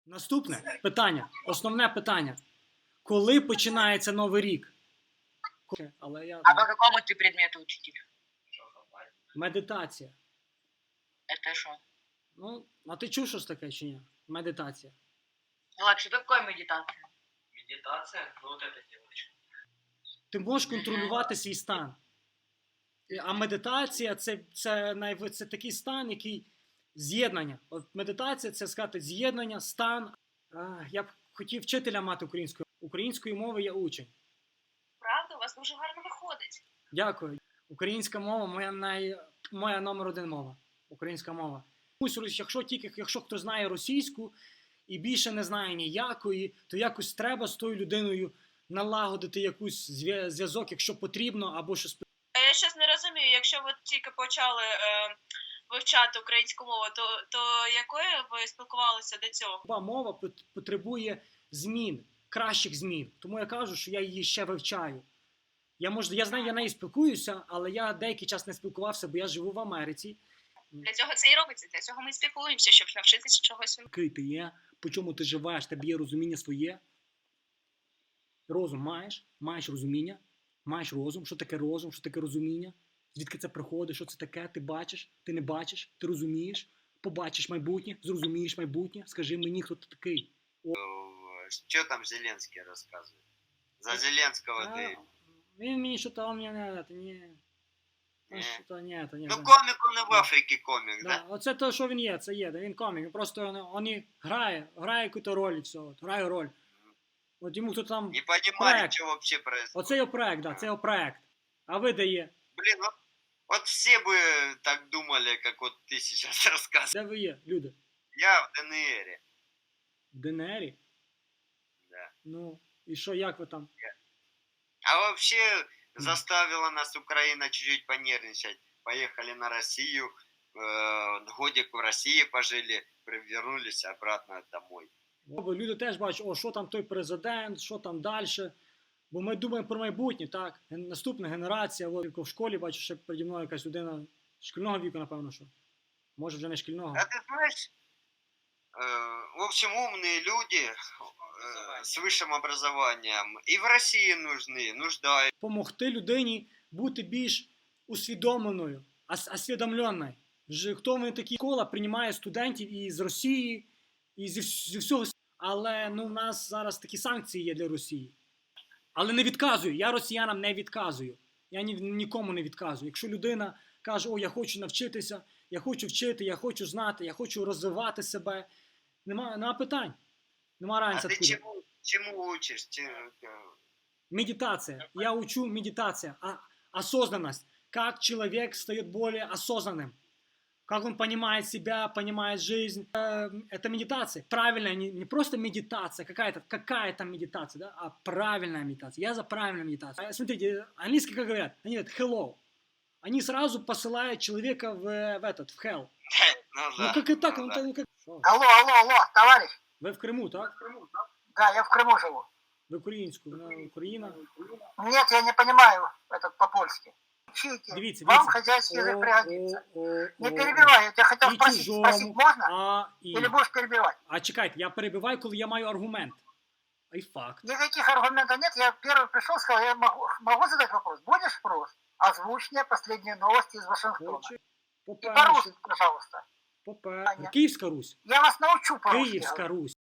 Наступне питання, основне питання. Коли починається Новий рік? Але я... А по какому ты предмету учитель? Медитація. Это что? Ну, а ти чув щось таке чи ні? Медитація. Влад, что такое медитация? Медитация? Ну вот эта девочка. Ти можеш контролювати свій стан. А медитація це такий стан, який з'єднання. От медитація це сказати з'єднання, стан. Я б хотів вчителя мати українською. Української мови я учень. Правда, у вас дуже гарно виходить. Дякую. Українська мова моя номер один мова. Українська мова. Якщо хто знає російську і більше не знає ніякої, то якось треба з тою людиною налагодити якийсь зв'язок, якщо потрібно, або щось. Я щось не розумію, якщо ви тільки почали вивчати українську мову, то якою ви спілкувалися до цього? Мова потребує змін, кращих змін. Тому я кажу, що я її ще вивчаю. Я знаю, я нею спілкуюся, але я деякий час не спілкувався, бо я живу в Америці. Для цього це і робиться, для цього ми спілкуємося, щоб навчитися чогось. Який ти є, по чому ти живеш, тебе є розуміння своє. Розум маєш, маєш розуміння, маєш розум. Що таке розум, що таке розуміння? Звідки це приходить, що це таке? Ти бачиш, ти не бачиш, ти розумієш, побачиш майбутнє, зрозумієш майбутнє. Скажи мені, хто ти такий. Что там Зеленский рассказывает? За Зеленского ты... Він мені що-то, он мене, ні. Ну комик он и в Африке комик, да? Оце те, що він є, це є, він комік. Він просто грає якусь роль і все, грає роль. От йому хто там Не понимаю, что вообще происходит. Оце його проект, да, це його проект. А ви де є? Блин, вот все бы так думали, как вот ты сейчас рассказываешь. Де ви є, люди? Я в ДНР. В ДНРі? Да. Ну, і що, як ви там? А вообще заставила нас Украина чуть-чуть понервничать. Поехали на Россию, годик в России пожили, вернулись обратно домой. Люди теж бачать, що там той президент, що там далі. Бо ми думаємо про майбутнє, так? Наступна генерація, в школі бачу, ще переді мною якась людина шкільного віку, напевно, що. Може вже не шкільного. А ты знаешь, в общем, умные люди с высшим образованием и в России нуждаются. Помогти людині бути більш усвідомленою, освідомленою. Хто вони такі? Школа приймає студентів і з Росії, і зі всього. Але в нас зараз такі санкції є для Росії. Але не відказую, я росіянам не відказую. Я нікому не відказую. Якщо людина каже, я хочу навчитися, я хочу вчити, я хочу знати, я хочу розвивати себе, нема питань. Нема разниці. А ти чому учиш? Медитация. Я учу медитация. Осознанность. Как человек стает более осознанным. Как он понимает себя, понимает жизнь. Это медитация. Правильная, не просто медитация, какая-то медитация, да, а правильная медитация. Я за правильную медитацию. Смотрите, английский как говорят? Они говорят hello. Они сразу посылают человека в hell. Ну как и так? Алло, товарищ. Вы в Крыму, так? Да, я в Крыму живу. Вы украинскую, Украина? Нет, я не понимаю этот по-польски. Учите, Дивіться. вам хозяйский язык пригодится. Не перебивай, я тебя хотел спросить можно? Или будешь перебивать? А чекайте, я перебиваю, коли я маю аргумент. І факт. Никаких аргументов нет, я первый пришел, сказал, я могу задать вопрос? Будешь вопрос? Озвучь мне последние новости из Вашингтона. И по-русски, пожалуйста. Київська Русь. Я вас научу по-русски. Київська Русь.